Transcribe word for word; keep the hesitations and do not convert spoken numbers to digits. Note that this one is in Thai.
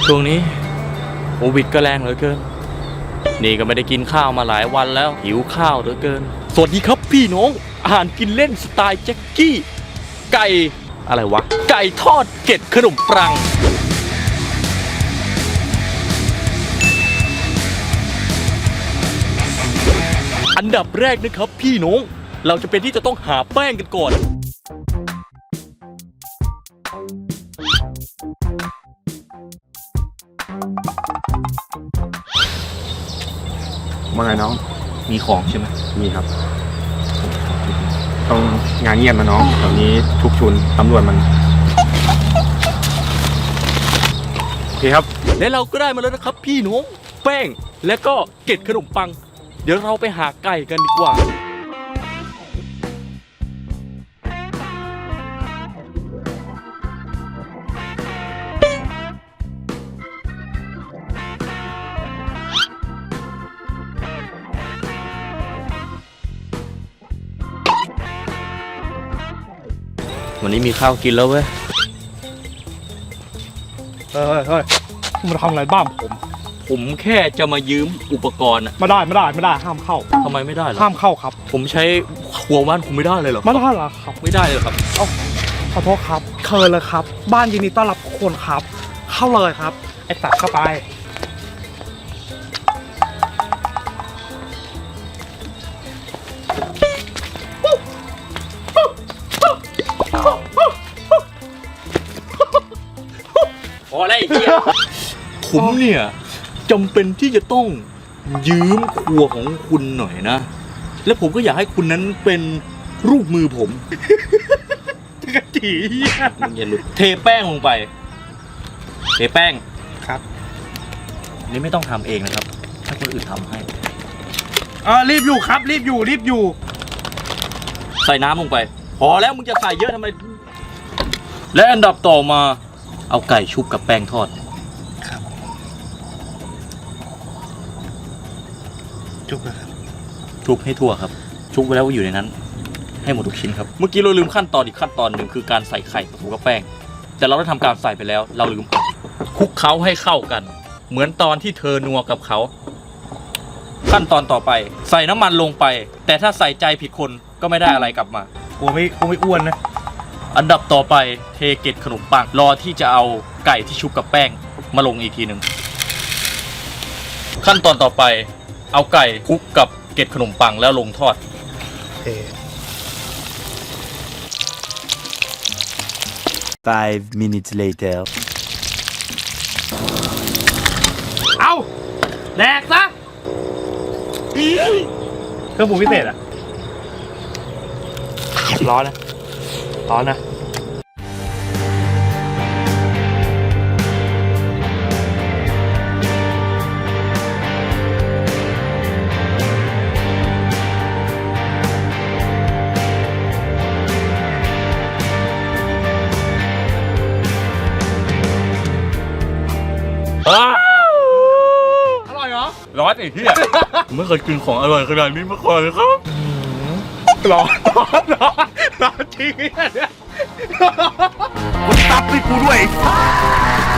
ช่วงนี้โควิดก็แรงเหลือเกินนี่ก็ไม่ได้กินข้าวมาหลายวันแล้วหิวข้าวเหลือเกินสวัสดีครับพี่น้องอาหารกินเล่นสไตล์แจ็คกี้ไก่อะไรวะไก่ทอดเกล็ดขนมปังอันดับแรกนะครับพี่น้องเราจะเป็นที่จะต้องหาแป้งกันก่อนว่าไงน้องมีของใช่ไหมมีครับต้องงานเงียบนะน้องแถวนี้ทุกชุนตำรวจมันโอเคครับและเราก็ได้มาแล้วนะครับพี่น้องแป้งและก็เกล็ดขนมปังเดี๋ยวเราไปหาไก่กันดีกว่าวันนี้มีข้าวกินแล้วเว้ยเฮ้ยเฮ้ยคุณมาทำอะไรบ้านผมผมแค่จะมายืมอุปกรณ์อะไม่ได้ไม่ได้ไม่ได้ห้ามเข้าทำไมไม่ได้หรอห้ามเข้าครับผมใช้หัวบ้านผมไม่ได้เลยหรอไม่ได้หรอครับไม่ได้เลยครับเอ้าขอโทษครับเชิญเลยครับบ้านยินดีต้อนรับทุกคนครับเข้าเลยครับไอ้ตัดเข้าไปพอแล้วไอ้เหี้ยผมเนี่ยจำเป็นที่จะต้องยืมครัวของคุณหน่อยนะและผมก็อยากให้คุณนั้นเป็นรูปมือผมกะจีมึงอย่าหลุดเทแป้งลงไปเทแป้งครับนี่ไม่ต้องทำเองนะครับถ้าคนอื่นทำให้เออรีบอยู่ครับรีบอยู่รีบอยู่ใส่น้ำลงไปพอแล้วมึงจะใส่เยอะทำไมและอันดับต่อมาเอาไก่ชุบกับแป้งทอดครับชุบนะครับชุบให้ทั่วครับชุบไว้แล้วอยู่ในนั้นให้หมดทุกชิ้นครับเมื่อกี้เราลืมขั้นตอนอีกขั้นตอนหนึ่งคือการใส่ไข่ผสมกับแป้งแต่เราได้ทำการใส่ไปแล้วเราลืมคลุกเคล้าให้เข้ากันเหมือนตอนที่เธอนัวกับเขาขั้นตอนต่อไปใส่น้ำมันลงไปแต่ถ้าใส่ใจผิดคนก็ไม่ได้อะไรกลับมากูไม่กูไม่อ้วนนะอันดับต่อไปเทเกล็ดขนมปังรอที่จะเอาไก่ที่ชุบกับแป้งมาลงอีกทีหนึ่งขั้นตอนต่อไปเอาไก่คลุกกับเกล็ดขนมปังแล้วลงทอดเท Five minutes later เอาแดกซะเครื่องปรุงพิเศษอะร้อนนะร้อนนะอร่อยเหรอร้อนไอ้เหี้ยไม่เคยกินของอร่อยขนาดนี้มาก่อนเลยครับร้อนร้อนร้อนร้อนจริงเนี่ยตับให้กูด้วย